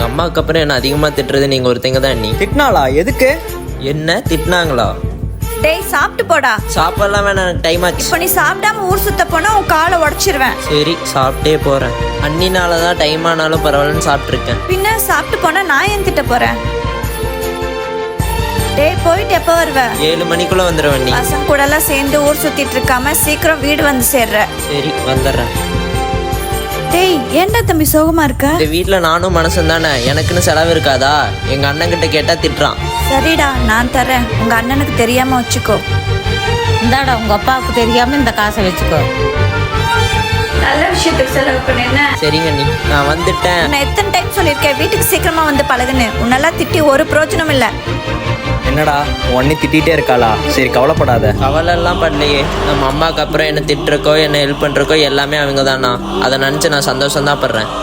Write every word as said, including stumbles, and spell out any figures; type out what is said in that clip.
எங்கள் அம்மாவுக்கு அப்புறம் என்ன அதிகமாக திட்டுறது நீங்கள் ஒருத்தங்க தான் அண்ணி. திட்டினாளா? எதுக்கு? என்ன திட்டினாங்களா? டேய் சாப்பிட்டு போடா. சாப்பாடலாம் வேணாம், எனக்கு டைம் ஆச்சு. இப்போ நீ சாப்பிடாம ஊர் சுத்த போனா உன் காலை உடச்சிருவேன். சரி சாப்பிட்டே போகிறேன். அண்ணினால தான் டைம் ஆனாலும் பரவாயில்லன்னு சாப்பிட்ருக்கேன். பின்ன சாப்பிட்டு போனா நான் ஏன் திட்ட போறேன்? டேய் போயிட்டு எப்போ வருவ? ஏழு மணிக்குள்ளே வந்துடுவேன் அண்ணி. பசங்க கூட எல்லாம் சேர்ந்து ஊர் சுத்திட்டு இருக்காம சீக்கிரம் வீடு வந்து சேர்ற. சரி வந்துடுறேன். டேய் ஏன்டா தம்பி சோகமா இருக்க? இந்த வீட்டில் நானும் மனசும் தானே, எனக்குன்னு செலவு இருக்காதா? எங்கள் அண்ணன்கிட்ட கேட்டால் திட்டுறான். சரிடா நான் தரேன், உங்க அண்ணனுக்கு தெரியாம வச்சுக்கோ. இந்தாடா உங்க அப்பாவுக்கு தெரியாம இந்த காசை வச்சுக்கோ. நல்ல விஷயத்துக்கு செலவு பண்ணேன்னு. சரிங்க அண்ணி, நான் வந்துட்டேன். நான் எத்தனை டைம் சொல்லியிருக்கேன் வீட்டுக்கு சீக்கிரமா வந்து பழகுன்னு. உன்னெல்லாம் திட்டி ஒரு பிரோஜனம் இல்லை. என்னடா உன்னை திட்டிகிட்டே இருக்காளா? சரி கவலைப்படாத. கவலைலாம் பண்ணலையே. நம்ம அம்மாவுக்கு அப்புறம் என்ன திட்டுறக்கோ என்ன ஹெல்ப் பண்ணுறக்கோ எல்லாமே அவங்க தானா. அதை நினச்சி நான் சந்தோஷம் தான் படுறேன்.